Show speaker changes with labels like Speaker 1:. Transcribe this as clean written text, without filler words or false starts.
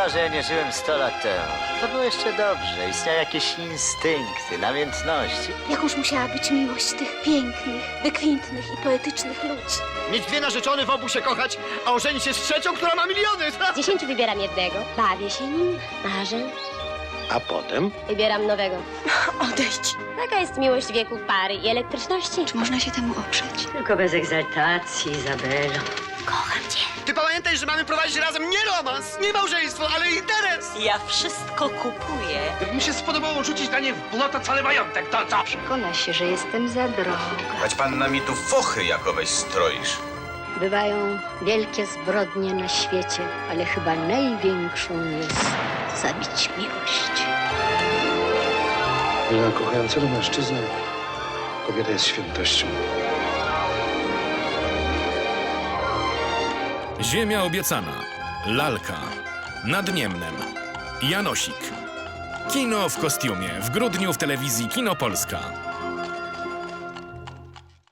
Speaker 1: szkoda, że ja nie żyłem 100 lat temu. To było jeszcze dobrze. Istniały jakieś instynkty, namiętności.
Speaker 2: Jakąż musiała być miłość tych pięknych, wykwintnych i poetycznych ludzi.
Speaker 3: Mieć dwie narzeczone, w obu się kochać, a ożenić się z trzecią, która ma miliony!
Speaker 4: Z 10 wybieram jednego. Bawię się nim, marzę.
Speaker 5: A potem?
Speaker 4: Wybieram nowego.
Speaker 2: Odejdź.
Speaker 4: Taka jest miłość wieku pary i elektryczności.
Speaker 2: Czy można się temu oprzeć?
Speaker 6: Tylko bez egzaltacji, Izabelo.
Speaker 2: Kocham cię.
Speaker 3: Ty pamiętaj, że mamy prowadzić razem nie romans, nie małżeństwo, ale interes!
Speaker 6: Ja wszystko kupuję.
Speaker 5: Gdyby mi się spodobało rzucić na nie w błoto cały majątek, to co?
Speaker 6: Przekona się, że jestem za droga.
Speaker 7: Choć panna mi tu fochy jakoweś stroisz.
Speaker 6: Bywają wielkie zbrodnie na świecie, ale chyba największą jest zabić miłość.
Speaker 5: Dla kochającego mężczyznę kobieta jest świętością.
Speaker 8: Ziemia obiecana. Lalka. Nad Niemnem. Janosik. Kino w kostiumie. W grudniu w telewizji Kino Polska.